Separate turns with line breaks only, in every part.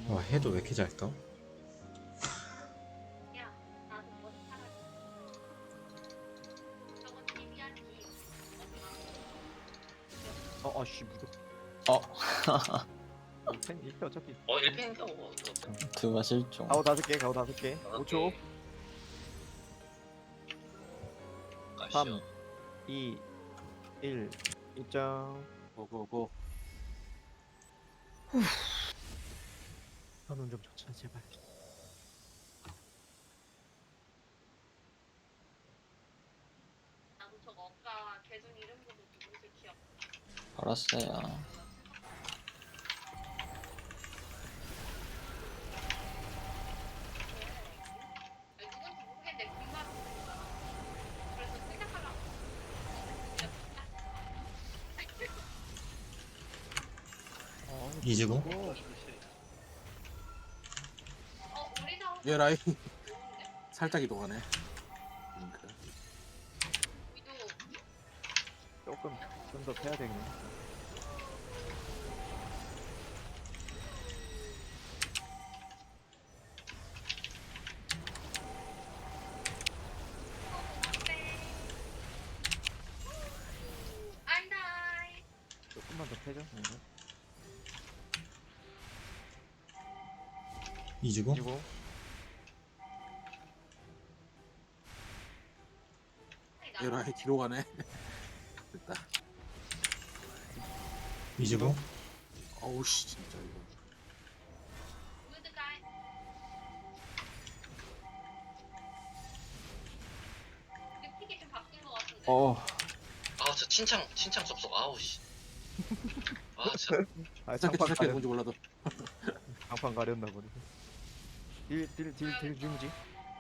와, 해도 왜 이렇게 잘 떠?
야, 나도 머리 사라지. 저거 TV야지.
아씨 무적.
어,
펜 이렇게 어차피.
1펜인가 뭐
드가 실종.
가오 5개, 가오 5개. 5초. 3, 2, 1. 입장.
고고고.
현운 좀 쳤자 제발.
나도 저거 아까 계정 이름 보고 누군지 기억.
알았어요.
누군지 모르겠는데 금방 그래서 생각하려고.
이지고?
우리 사업
얘 라인 살짝 이동하네.
위도
조금 좀 더 패야 되겠네.
안다이.
조금만 더 패죠.
이지고?
그리고
얘 라인 뒤로 가네. 됐다.
이지고?
어우 씨 진짜 이거.
무드가이. 근데 픽이 좀 바뀐 것 같은데.
아저 친창 접속 아우씨 아 진짜
짧게
장판
짧게
가렸,
뭔지 몰라도.
장판 가렸나 보네. 딜 중지.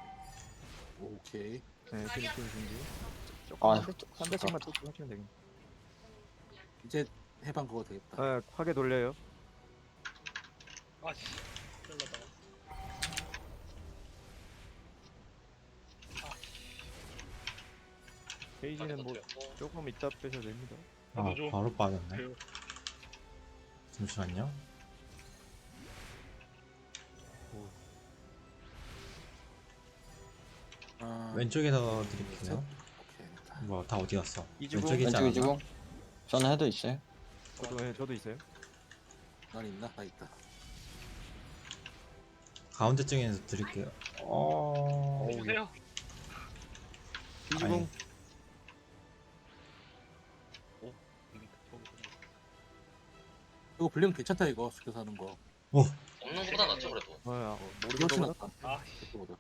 오케이.
네, 딜 중지.
아,
조금 한 대씩만 또 하시면 되겠네.
이제 해방 그거 되겠다.
네, 화게 돌려요.
아씨 잘라다가
페이지는 뭐 조금 이따 빼셔도 됩니다.
아,
넣어줘.
바로 빠졌네.
그래요.
잠시만요.
아,
왼쪽에서 드릴게요.
오케이 됐다.
뭐야, 다 어디 갔어?
이지고?
왼쪽에 있지
왼쪽
않았나?
이지고. 저는 해도 있어요.
저도 있어요.
난 있나? 나 있다.
가운데 쪽에서 드릴게요.
주세요.
이지공.
이거 블랙 괜찮다 이거 스켜서 하는 거.
없는 것보다 낫죠 그래도
이거 훨씬
모르겠다.
낫다.
아
그거보다.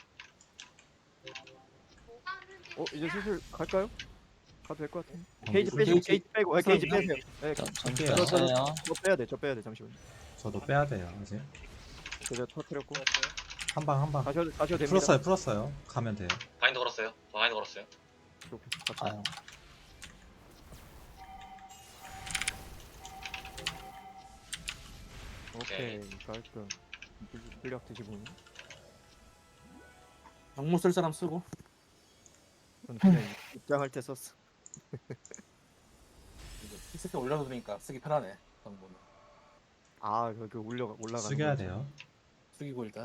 뭐가 하는지.
이제 슬슬 갈까요? 가도 될 것 같은데.
어,
게이지 빼시고
게이지.
게이지 빼고 게이지 빼세요. 네,
전
할게요.
뺐어요.
저 빼야 돼. 잠시만요.
저도 빼야 돼요, 이제.
제가 터뜨렸고
한 방.
가셔도 됩니다.
풀었어요. 가면 돼요.
바인드 걸었어요 바인드 걸었어요
오케이, 갑시다.
아유,
오케이, 깔끔. 물약 드시고.
정모 쓸 사람 쓰고.
저는 그냥 입장할 때 썼어.
피스에 올려놓으니까 쓰기 편하네. 정모는.
아, 그 올라가는.
숙여야 돼요.
숙이고 일단.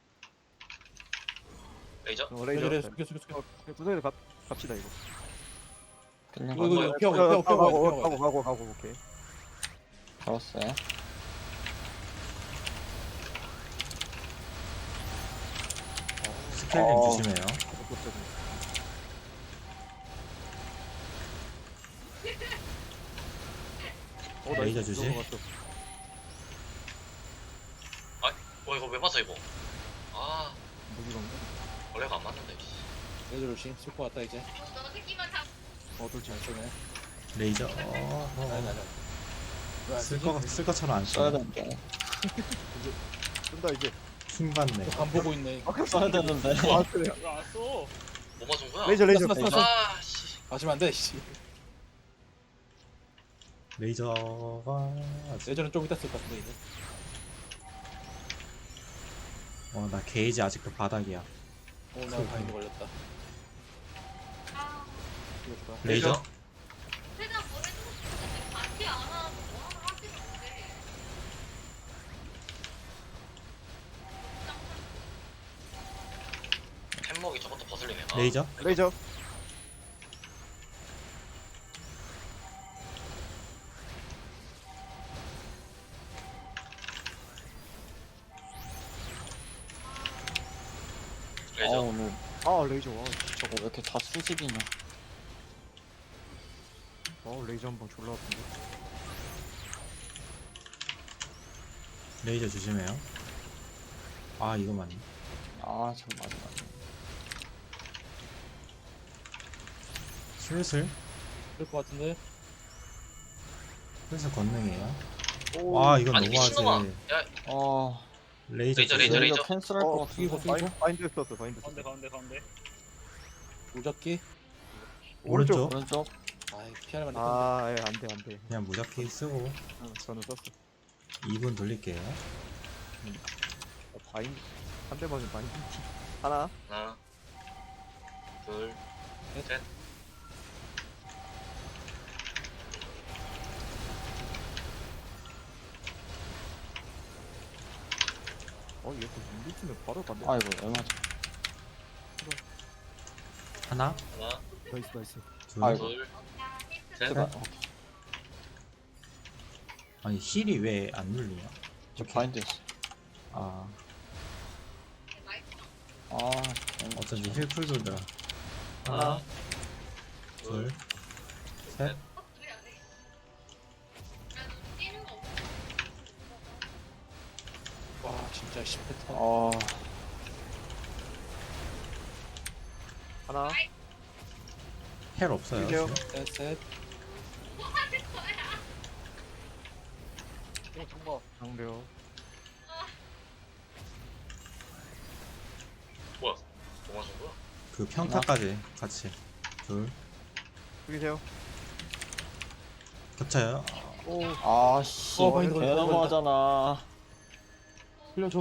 레이저
레이저.
숙여.
구석에서 갑시다 이거.
끌린
이거
거
이거 피하고.
가고 오케이.
걸었어요.
스케일링 조심해요. 레이저 주지?
이거 왜 맞아 이거 아
무기건가?
원래가 안 맞는데
레이저 조심. 쓸것 같다 이제.
너 새끼만 다.
돌지.
잘 쏘네.
레이저.
아니.
쓸 것처럼 안
써야
써.
되는데.
쓴다 이제.
킹 받네.
안 보고 있네.
써야 되는데.
아 그래.
이거 안 써.
뭐 맞은 거야
레이저.
아씨
마시면 안 돼. 씨.
레이저가.
레이저는 좀 이따 쓸 것 같은데 이제.
나 게이지 아직도 바닥이야.
나 바인드 걸렸다.
아,
이거 좋다.
레이저?
세상 뭘 해주고 싶은데 같이 안 하고 뭐 하나 하지는 못해.
레이저.
레이저.
레이저.
오늘
아 레이저. 와,
저거 왜 이렇게 다 수직이냐.
레이저 한 방 졸라 아픈데.
레이저 조심해요. 아 이거 맞네.
아, 참 맞아.
슬슬
그럴 것 같은데.
슬슬 건능이에요.
오.
와 이건
아니
너무하지.
미친놈아. 야
레이저.
레이저,
조심.
레이저.
캔슬할 것 같아.
이거
바인드 썼어. 바인드
가운데
썼어.
가운데 가운데.
무적기.
오른쪽.
오른쪽.
아이 피하려면 했는데.
아, 예, 안돼 안돼.
그냥 무적기 쓰고
저는 썼어.
2분 돌릴게요.
바인드 한 대 맞으면 바인드. 하나.
하나, 둘, 셋.
얘 또 밀리치면 바로 간대.
아이고, 왜 맞아.
하나,
하나,
나이스 나이스.
둘.
아이고.
둘,
히트.
셋.
제발.
아니 힐이 왜 안 눌리냐?
저 바인드였어.
아
아,
어쩐지 힐풀 돌더라.
하나,
둘, 셋.
뛰는 거 없어.
와 진짜 10패턴.
어,
하나.
헬 없어요.
이게요.
지금?
셋.
뭐 하는 거야?
이거 정보.
장벽.
뭐야? 뭐 맞은 거야?
그 평타까지 같이. 둘.
죽이세요.
겹쳐요.
오.
아씨.
바인드,
개
바인드.
너무하잖아.
풀려줘.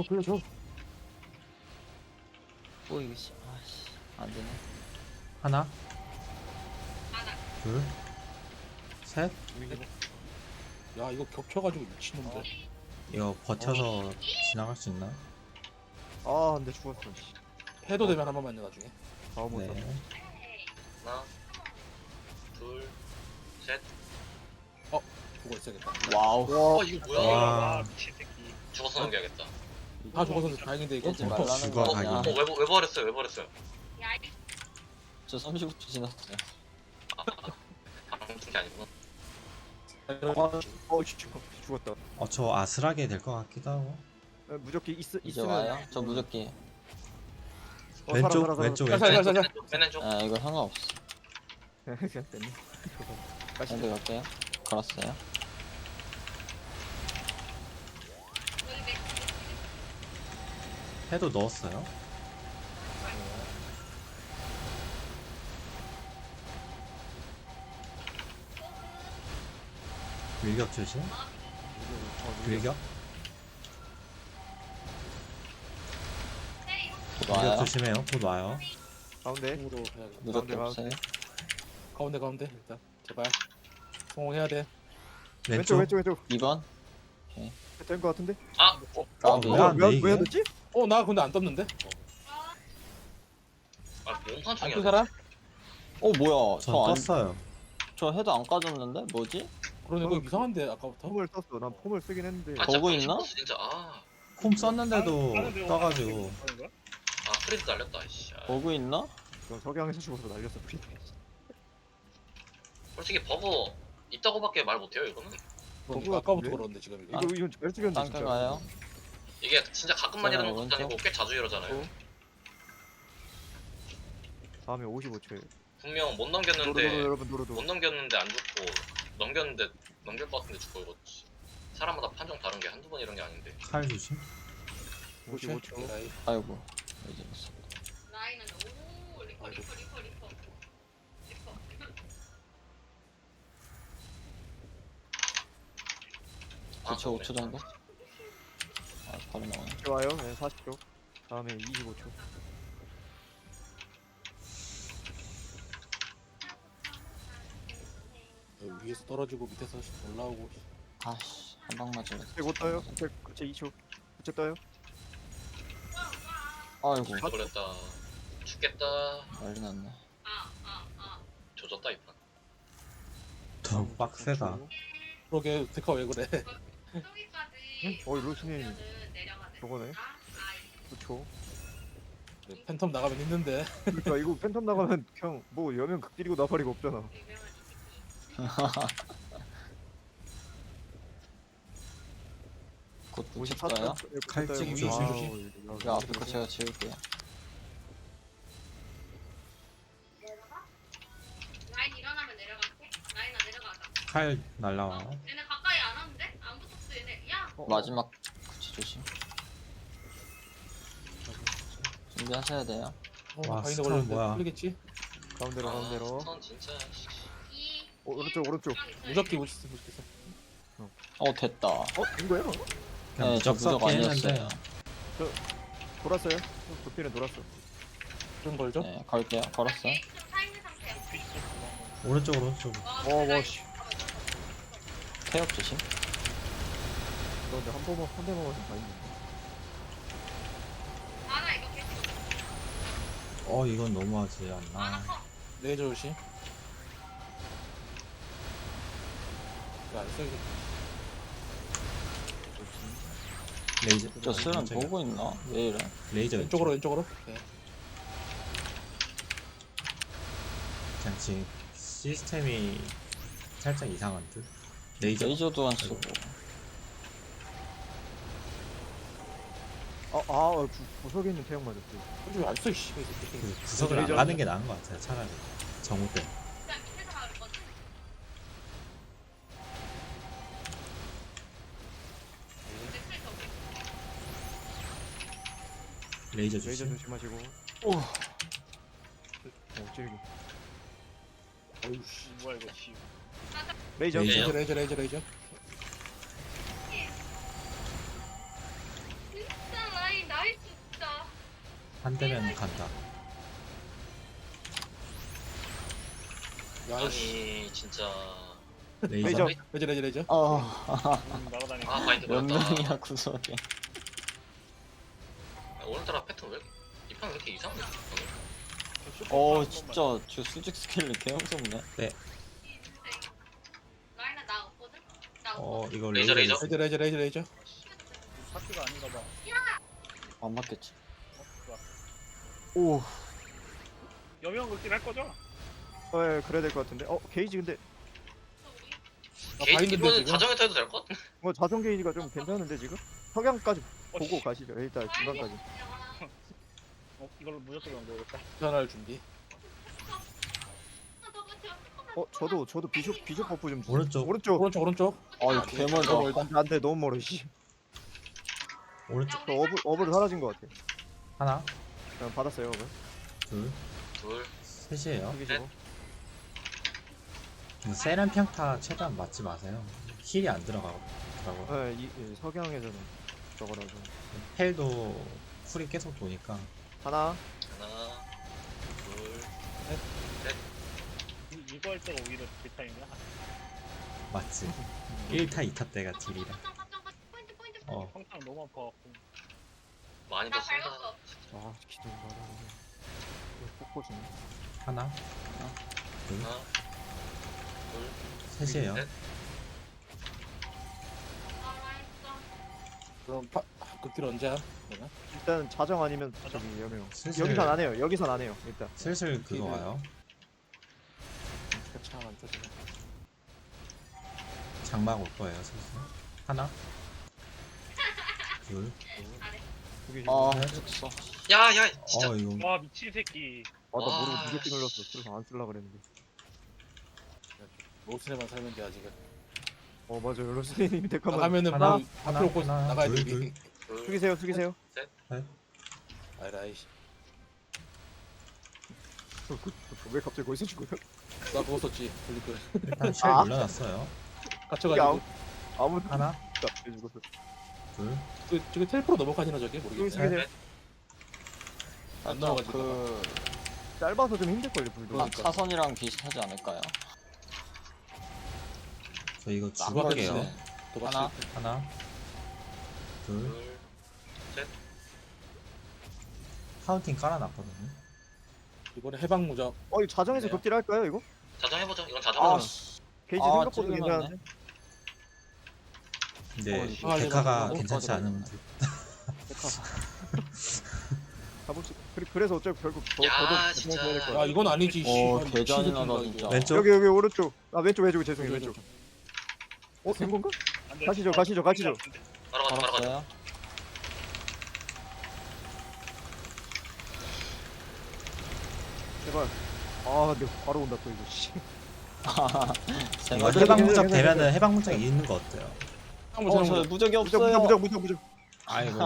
뭐 이거 씨. 아씨. 안 되네.
하나,
하나.
둘, 셋.
야 이거 겹쳐가지고 미친놈들.
이거 버텨서 지나갈 수 있나?
아, 근데 죽었어. 씨.
해도 되면 한 번만요 나중에.
다음 못
네.
네.
하나, 둘, 셋.
죽어 있어야겠다.
와우.
이거 뭐야?
와.
미친 새끼.
죽어서 넘겨야겠다.
다 죽어서 다행인데 이거.
깨지 말라는
죽어,
거 아니야.
가기.
왜 버렸어요? 왜 버렸어요?
야,
저 39초 지났어요.
방금 게 아니구나.
죽었다.
저 아슬하게 될 것 같기도 하고.
무적기
이제
있으면
와요? 저 무적기.
왼쪽,
살아.
왼쪽,
살살,
왼쪽.
살살.
맨 왼쪽.
아, 이거 상관없어.
그냥 뺐네.
바인드 갈게요. 걸었어요.
여기 내
해도 넣었어요. 밀격 조심. 밀격.
곧
밀격
와요.
조심해요. 곧 와요.
가운데.
공으로 해야겠다.
무적기
가운데
없어요.
가운데 일단 제발 성공해야 돼.
왼쪽
왼쪽.
왼쪽.
2번.
된 거 같은데?
아,
까비.
뭐야? 안 돼,
왜
이게?
됐지?
나 근데 안 떴는데.
몸판
안
중이야.
뜬 사람?
뭐야?
전
저 안,
떴어요.
저 헤드 안 까졌는데? 뭐지?
그러네 이거 이상한데 아까부터.
폼을 썼어. 난 폼을 쓰긴 했는데.
아,
버그
진짜
있나?
미쳤어, 진짜. 아,
콤 썼는데도
다른 데로
떠가지고.
가는 거야?
프리드 날렸다. 씨.
버그 있나?
그럼 석양에서 죽어서 날렸어. 프리.
솔직히 버그 있다고밖에 말 못해요. 이거는.
그러니까 아까부터 그러는데 지금 이거.
이건 잘 죽였는데
땅가 가요.
이게 진짜 가끔만 이러는 것도
오른쪽.
아니고 꽤 자주 이러잖아요.
다음에 55초에.
분명 못
노르
넘겼는데
여러분 노르도.
못 넘겼는데 안 죽고 넘겼는데 넘길 것 같은데 죽고 이거 사람마다 판정 다른 게 한두 번 이런 게 아닌데.
칼 조심.
55초.
라이.
아이고. 이제 됐어.
라인은 오 리퍼.
아,
2초,
그러네.
5초 정도? 아, 바로 나오네.
이렇게 와요. 네, 40초. 다음에 25초.
위에서 떨어지고 밑에서 올라오고.
아씨, 한 방 맞으면.
못 떠요. 그치 2초. 그치 떠요.
아이고.
걸렸다. 죽겠다.
난리 났네.
조졌다 이판.
너무 빡세다.
그러게 데카 왜 그래?
저기까지
어이, 로스님.
내려가야 돼.
저거네. 그쵸.
팬텀 나가면 힘든데.
그러니까 이거 팬텀 나가면 그냥 뭐 여면 극딜이고 나발이고 없잖아.
곧 붙일까요?
칼찍이
조심.
그 앞에 거 제가 지울게요.
라인 일어나면 내려갈게. 라인아 내려가자.
칼 날라와요.
얘네 가까이 안 왔는데? 안 붙었어 얘네. 야.
마지막 구치 조심. 준비하셔야 돼요.
와,
바인드
스턴
걸렸는데
뭐야.
풀리겠지?
가운데로 가운데로.
선 진짜.
이.
오른쪽 오른쪽.
무적기 무적기 무적기.
됐다.
된 거예요?
그냥
네, 저
무적
무적
섞기
아니었어요.
했는데
돌았어요? 도피는 돌았어.
좀 걸죠?
네, 걸게요. 걸었어요.
사 있는 상태야.
오른쪽으로.
와 씨.
태엽 조심.
그런데 한 대만 다 있네.
아나 이거 계속.
이건 너무하지 않나.
아나 커.
레이저 조심. 야, 써야겠다.
레이저.
저 수련
깜짝이야.
보고 있나? 왜 이래?
레이저
왼쪽으로 왼쪽으로. 네.
그냥 지금 시스템이 살짝 이상한 듯. 레이저.
레이저도 안 쓰고.
구석에 있는 태양 맞았지.
솔직히 안 써, 씨.
그 구석을 안
레이저.
가는 게 나은 것 같아요. 차라리 정우 때.
그냥 밑에서 가는 거지. 근데 클 더.
레이저
레이저
주심.
조심하시고. 찌르기.
어휴, 씨.
뭐야 이거 지.
레이저.
레이저.
레이저.
진짜 라인 나이스 진짜.
한 대면 간다.
야, 씨.
아니 진짜.
레이저.
레이저.
레이저.
날아다니고.
아 바인드
몇
걸렸다.
명이야 구석에.
오늘따라 패턴 이판 왜 이렇게 이상해?
진짜 저 수직 스킬이 개 무섭네.
라인아 나 없거든. 나
이거
레이저,
레이저.
레이저.
레이저.
파티가 아닌가 봐.
안 맞겠지.
좋아.
오.
여명 긁긴 할 거죠?
예, 그래야 될 것 같은데. 게이지 근데
아,
게이지
바인드인데
이거는
지금.
자정에 타도 될 것 같아.
뭐 자동 게이지가 좀 괜찮은데 지금? 석양까지 보고
씨.
가시죠. 일단 중간까지.
이걸로 무조건 연결했다.
전할 준비.
저도 비숍 버프 좀 주세요.
오른쪽.
오른쪽.
이거 개 멀다.
안돼 너무 멀어 씨.
오른쪽
저 어블 사라진 것 같아.
하나,
그냥 받았어요 어블.
둘,
둘.
셋이에요.
여기시고.
세란 평타 최대한 맞지 마세요. 힐이 안 들어가더라고.
이 석양에서는 저거라서.
헬도 쿨이 계속 도니까.
하나.
하나. 둘.
이거 할 때가 오히려 딜타임이야.
맞지. 1타, 2타 때가 딜이라.
평타는 너무 아파갖고.
많이
나
더 쓴다.
밟았어.
기둥 받아. 폭포 주네.
하나,
하나. 둘.
셋이에요.
셋.
아 라인 좀.
그럼 극딜 언제 함? 내가?
일단 자정 아니면 저기 여명.
슬슬-
여기선 안 해요. 여기선 안 해요. 일단.
슬슬 그거 와요.
차안 터지네.
장막 올 거예요, 슬슬. 하나, 둘.
여기
죽었어.
야야 진짜.
이거
와 미친 새끼.
나 모르고
와,
무조건 눌렀어. 그래서 안 쓸라 그랬는데.
로스네만 살면 돼 아직은.
맞아요. 로스님 데카만.
나가면은
하나,
뭐
하나,
앞으로 고
하나,
나가야
둘,
돼.
둘.
둘.
숙이세요.
아이라이씨.
왜 갑자기 거기서 죽어요?
나 그거 썼지. 블리크.
일단 쉘 올려놨어요.
갇혀가지고.
아무
하나,
왜 죽었어?
둘.
저게 텔프로 넘어가시나 저게 모르겠네.
숙이세요.
안 나와가지고.
그
짧아서 좀 힘들걸요 불도.
사선이랑 비슷하지 않을까요?
저 이거
죽었겠네.
죽을게요.
또
하나.
하나, 둘.
둘.
카운팅 깔아놨거든요.
이번에 해방 무적.
이거 자정에서
네.
극딜 할까요 이거?
자정 해보죠. 이건 자정.
아,
아,
씨.
게이지
아,
생각보다
찔리면
괜찮은데.
안
근데
아,
데카가
이거
괜찮지 않으면
가보지. 그래서 어차피 결국
야,
저도
진짜.
자정에서 해야 될
야
거야.
이건 아니지.
오,
씨발,
개잔인하다,
미친
진짜.
새끼인가,
왼쪽
여기 오른쪽. 왼쪽 죄송해요 왼쪽. 된 건가?
안 돼.
가시죠.
바로 가자, 바로 가자.
알았어요.
제발. 아 근데 바로 온다 또 이거. 씨.
이거
제가
해방 무적 되면은 해방 무적이 있는 거 어때요?
한번
저
보자.
무적이
무적
없어요.
무적.
아이고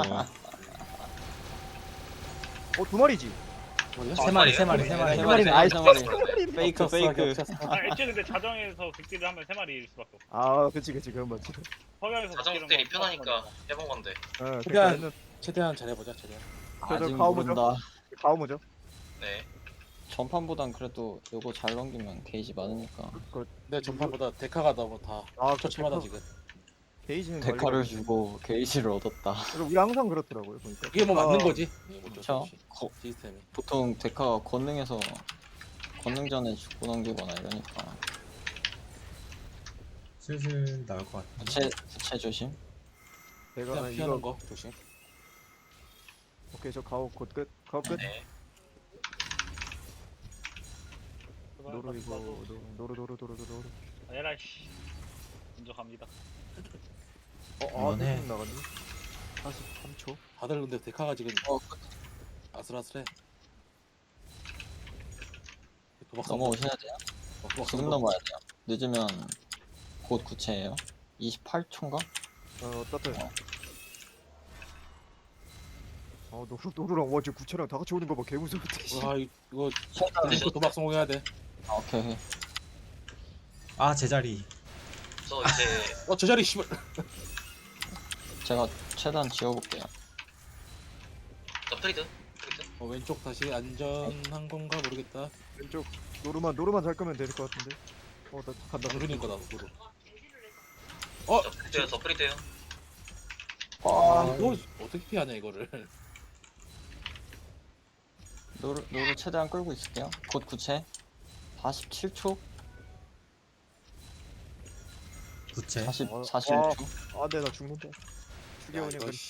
두 마리지.
뭐냐?
세 마리 세 마리
세
세
마리,
마리.
세 마리,
아이,
세 마리. 페이크,
겹쳤어,
페이크.
겹쳤어.
아, 애초에 근데 자정에서 극딜을 하면 3마리일 수밖에 없어.
아 그치 그건 맞지.
서양에서
자정
극딜은
딜이
뭐
편하니까 해본 건데.
최대한 최대한 잘해보자. 최대한.
아직
가오
모른다.
가오무죠.
네.
전판보단 그래도 요거 잘 넘기면 게이지 많으니까.
내 전판보다 데카가 너무 다
아
처참하다 지금.
게이지는
데카를 주고 게이지를 얻었다.
그리고 우리 항상 그렇더라고요 보니까.
이게 뭐 맞는 거지?
그쵸?
시스템이.
보통 데카가 권능에서 권능 전에 죽고 넘기거나 이러니까.
슬슬 나올 것 같아.
부채 조심.
내가
그냥
이거
피하는 거 조심.
오케이 저 가오 곧 끝. 가오 끝.
네.
노루 이거 노루.
에라이 씨. 먼저 갑니다.
이번에-
나갔니? 43초.
다들 근데 데카가 지금
어,
아슬아슬해. 도박
넘어오셔야 돼요. 지금 넘어야 돼요. 늦으면 곧 구체예요. 28초인가?
따뜻해. 노루랑 와저 구체랑 다 같이 오는 거 봐 개무서운데. 씨.
와 이거 도박 성공해야 돼.
아, 오케이.
아 제자리.
저 이제
저 자리 씨발.
제가 최대한 지워볼게요.
저 프리드.
왼쪽 다시 안전한 건가 모르겠다.
왼쪽 노루만 잘 끄면 될 것 같은데. 나 간다.
누르는 거다 누르.
저 프리드요. 저 프리드요.
아 이거 어떻게 피하냐 이거를.
노루 최대한 끌고 있을게요. 곧 구체. 47초?
부채.
41초?
네, 나 죽는다. 죽여 그냥.
이거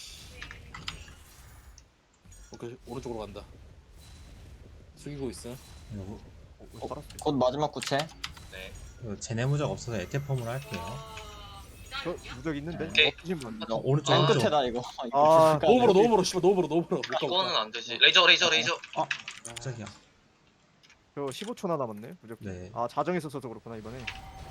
오케이 오른쪽으로 간다. 숙이고 있어.
이거,
살았어.
곧 마지막 구체.
네.
이거 제네 무적 없어서 에테폼으로 할게요.
저 무적 있는데
오케이.
없으신 분.
오른쪽
맨
오른쪽.
끝에다 이거.
아,
노브로 씨발 노브로.
이거는 안 되지. 레이저.
깜짝이야.
저 15초나 남았네 무적.
네.
아 자정에서 써서 그렇구나 이번에.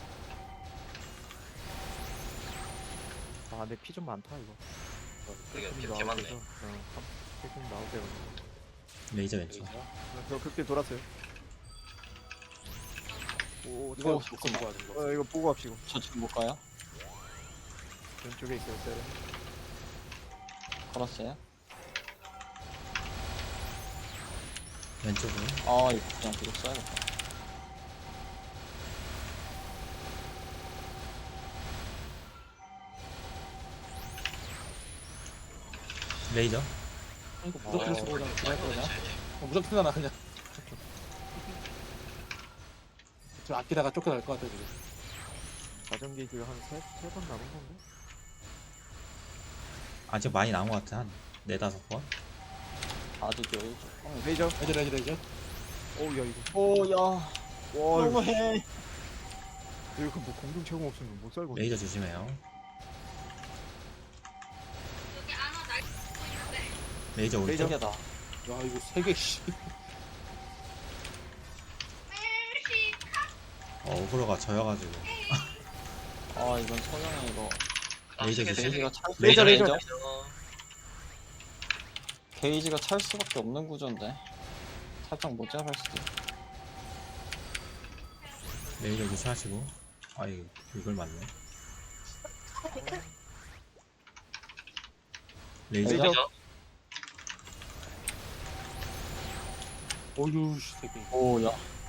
아, 내 피 좀 많다 이거.
되게 개 많네.
좀 나오세요.
레이저 왼쪽.
저 극딜 돌았어요. 오,
이거
저,
먹고 먹어야 돼 이거.
이거 보고 합시고.
저 지금 못 가요?
왼쪽에 있어요. 네.
걸었어요?
왼쪽으로.
아, 이거 그냥 계속 써야겠다.
레이저.
이거 무조건 쓰고 그냥
아,
그냥
이거
그냥.
네.
무조건 쓰나 그냥. 저 아끼다가 쫓겨날 것 같아 지금.
자전 게이지가 한 세 번 남은 건가?
아직 많이 남은 것 같아. 한 4-5번.
아직 여유.
레이저.
레이저.
어우 야 이거.
오, 야.
와 이거,
너무해.
이거 뭐 공중 채공 없으면 못 살고.
레이저 조심해요.
여기 안와 날 쓰고 있는데.
레이저 오른쪽.
저게다.
야 이거 3개 씨.
멜시.
어그로가 져여가지고.
아, 이건 서양의 이거.
레이저
시계
조심.
게이지가 찰
레이저,
레이저. 게이지가 찰 수밖에 없는 구조인데. 살짝 못 잡을 수도 있어.
레이저 조심하시고. 아 이걸 맞네. 레이저.
레이저.
어유 씨 새끼.
오, 야.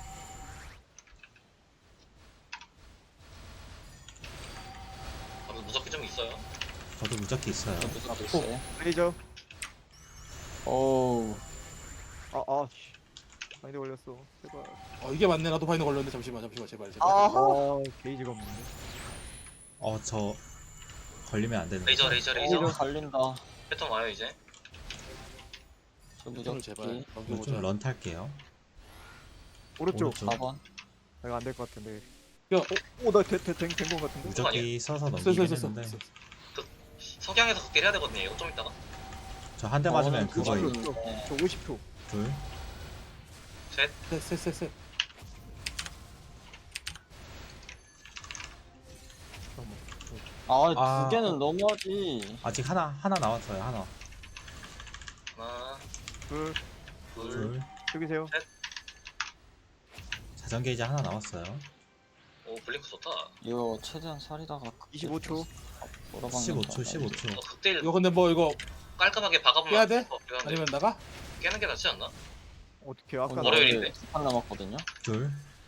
무섭게 좀 있어요.
저도 무적기 있어요.
저도 있어요.
레이저.
오우.
아 씨. 바인드 걸렸어. 제발.
이게 맞네. 나도 바인드 걸렸는데 잠시만 제발.
아 게이지가 없는데.
저 걸리면 안 되는데.
레이저
이거 갈린다.
패턴 와요 이제.
저
무적을 제발
무적기
이거
넘겨보자.
좀 런 탈게요.
오른쪽.
오른쪽.
4번.
이거 안 될 것 같은데.
야,
오나된거 같은데.
무적기 써서 넘기긴 했는데
석양에서 극딜 해야 되거든요. 이거 좀 이따가.
저 한 대 맞으면 그거
그거
이-
저 50초.
둘.
셋.
셋.
아,
두 개는 너무하지.
아직 하나 나왔어요. 하나.
하나,
둘.
둘,
둘.
여기세요.
자전 게이지 하나 나왔어요.
오 블링크 좋다.
이거 최대한 살이다가
25초.
15초.
극딜
이거 근데 뭐 이거
깔끔하게 박아보면
깨야 돼?
필요한데
아니면 나가?
깨는 게 낫지 않나?
어떻게 아까
월요일인데.
두판 남았거든요.
둘.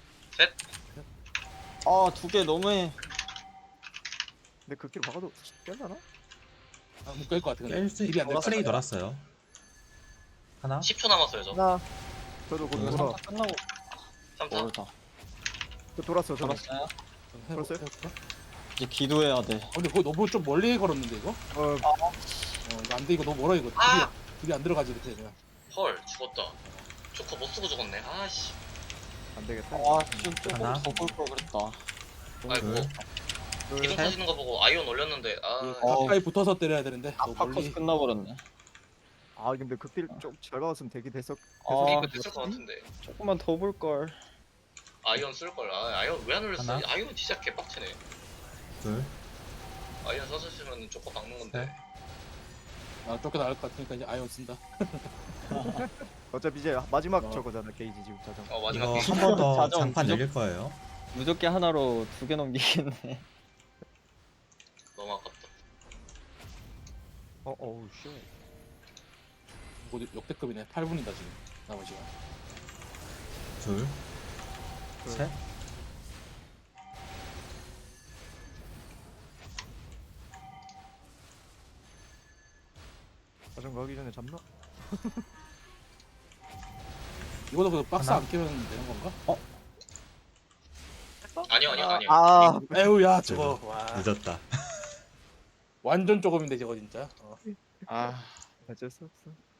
두 개 너무해.
근데 그 길을 박아도 깰라나?
못깰것 같아. 근데
깰 수
딜이 안 돼.
프레이 돌았어요. 하나.
10초 남았어요 저.
하나. 저도 곧
이거
돌아.
3타 끝나고
3타.
멀다.
저 돌았어. 저도.
돌았어요?
걸었어요?
이제 기도해야 돼.
근데 그거 너무 좀 멀리 걸었는데 이거? 이거 안 돼. 이거 너무 멀어 이거.
아!
딜이 안 들어가지 이렇게 그냥.
헐 죽었다. 조커 못 쓰고 죽었네. 아씨.
안 되겠다.
조금
하나.
더 볼 걸 그랬다.
아이고.
둘.
둘.
기둥 터지는 거 보고 아이온 올렸는데
가까이 붙어서 때려야 되는데 너무
파커스
멀리.
끝나버렸네.
근데 극딜 좀잘 박았으면 되긴 됐었.
이거 됐을 것 같은데.
조금만 더 볼 걸.
아이온 쓸걸. 아이온 왜 안 올렸어?
하나.
아이온 진짜 개빡치네.
둘.
아이온 써주시면 조커 박는 건데.
아 쫓겨 나갈 것 같으니까 이제 아이언 쓴다.
어차피 이제 마지막 저거잖아 게이지 지금 자전.
마지막
이거
게임.
한 번 더
자전
장판
무적-
열릴 거예요.
무적기 하나로 2개 넘기겠네.
너무 아깝다.
어우 쉣.
뭐 역대급이네. 8분이다 지금 남은 시간.
둘.
둘.
셋.
자전 가기 전에 잡나?
이거도 그 박스
하나?
안 끼면 되는 건가?
아니요.
에휴 야 저거 와
늦었다.
완전 조금인데 저거 진짜.
어쩔 수 없어.